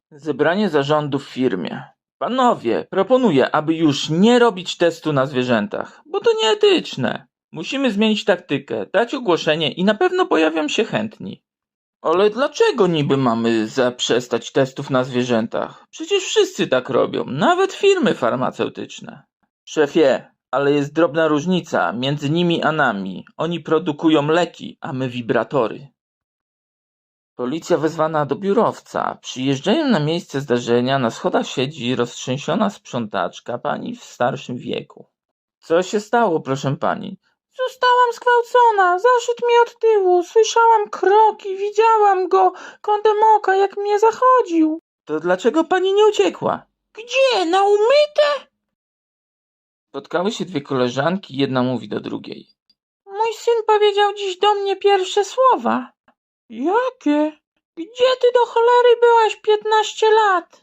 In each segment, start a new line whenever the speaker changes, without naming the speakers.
Zebranie zarządu w firmie. Panowie, proponuję, aby już nie robić testu na zwierzętach, bo to nieetyczne. Musimy zmienić taktykę, dać ogłoszenie i na pewno pojawią się chętni. Ale dlaczego niby mamy zaprzestać testów na zwierzętach? Przecież wszyscy tak robią, nawet firmy farmaceutyczne. Szefie, ale jest drobna różnica między nimi a nami. Oni produkują leki, a my wibratory. Policja wezwana do biurowca. Przyjeżdżają na miejsce zdarzenia, na schodach siedzi roztrzęsiona sprzątaczka, pani w starszym wieku. Co się stało, proszę pani? Zostałam zgwałcona, zaszedł mi od tyłu, słyszałam kroki, widziałam go kątem oka, jak mnie zachodził. To dlaczego pani nie uciekła? Gdzie? Na umyte? Spotkały się dwie koleżanki, jedna mówi do drugiej. Mój syn powiedział dziś do mnie pierwsze słowa. Jakie? Gdzie ty do cholery byłaś 15 lat?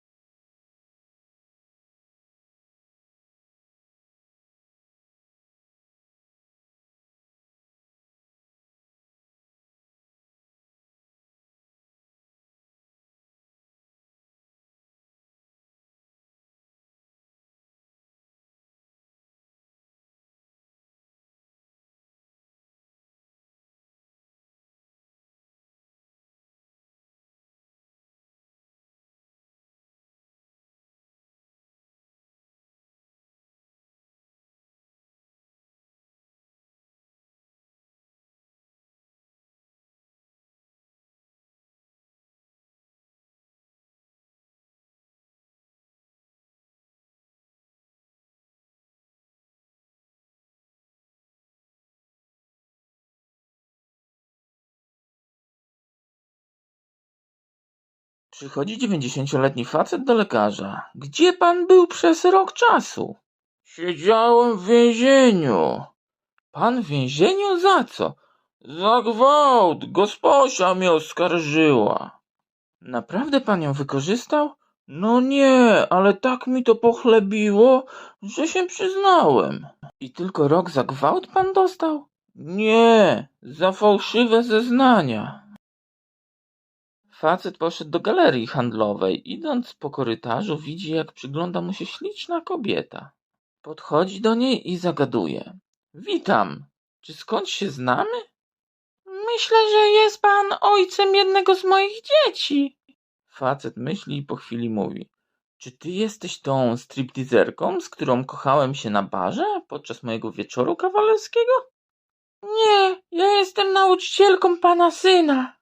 Przychodzi 90-letni facet do lekarza. Gdzie pan był przez rok czasu? Siedziałem w więzieniu. Pan w więzieniu za co? Za gwałt. Gosposia mnie oskarżyła. Naprawdę pan ją wykorzystał? No nie, ale tak mi to pochlebiło, że się przyznałem. I tylko rok za gwałt pan dostał? Nie, za fałszywe zeznania. Facet poszedł do galerii handlowej. Idąc po korytarzu, widzi, jak przygląda mu się śliczna kobieta. Podchodzi do niej i zagaduje. Witam. Czy skądś się znamy? Myślę, że jest pan ojcem jednego z moich dzieci. Facet myśli i po chwili mówi. Czy ty jesteś tą stripteaserką, z którą kochałem się na barze podczas mojego wieczoru kawalerskiego? Nie, ja jestem nauczycielką pana syna.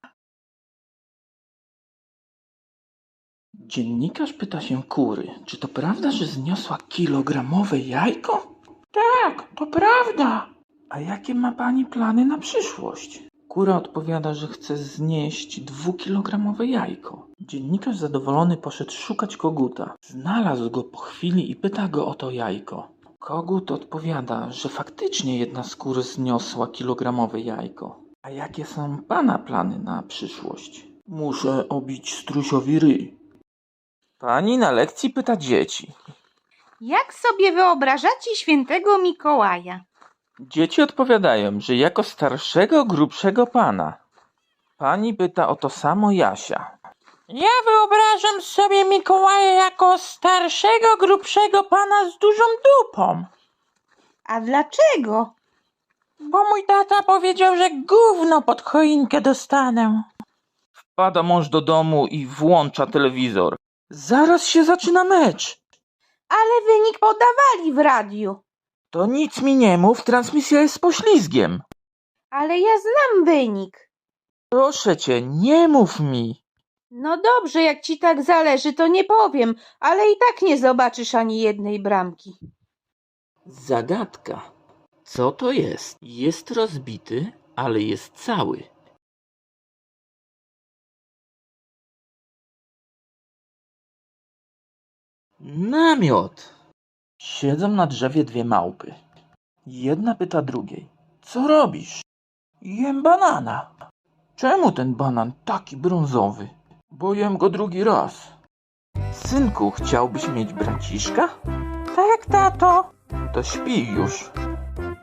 Dziennikarz pyta się kury, czy to prawda, że zniosła kilogramowe jajko? Tak, to prawda. A jakie ma pani plany na przyszłość? Kura odpowiada, że chce znieść 2-kilogramowe jajko. Dziennikarz zadowolony poszedł szukać koguta. Znalazł go po chwili i pyta go o to jajko. Kogut odpowiada, że faktycznie jedna z kur zniosła kilogramowe jajko. A jakie są pana plany na przyszłość? Muszę obić strusiowi ryj. Pani na lekcji pyta dzieci.
Jak sobie wyobrażacie świętego Mikołaja?
Dzieci odpowiadają, że jako starszego, grubszego pana. Pani pyta o to samo Jasia. Ja wyobrażam sobie Mikołaja jako starszego, grubszego pana z dużą dupą.
A dlaczego?
Bo mój tata powiedział, że gówno pod choinkę dostanę. Wpada mąż do domu i włącza telewizor. Zaraz się zaczyna mecz.
Ale wynik podawali w radiu.
To nic mi nie mów, transmisja jest z poślizgiem.
Ale ja znam wynik.
Proszę cię, nie mów mi.
No dobrze, jak ci tak zależy, to nie powiem, ale i tak nie zobaczysz ani jednej bramki.
Zagadka. Co to jest? Jest rozbity, ale jest cały. Namiot. Siedzą na drzewie dwie małpy. Jedna pyta drugiej. Co robisz? Jem banana. Czemu ten banan taki brązowy? Bo jem go drugi raz. Synku, chciałbyś mieć braciszka? Tak, tato. To śpij już.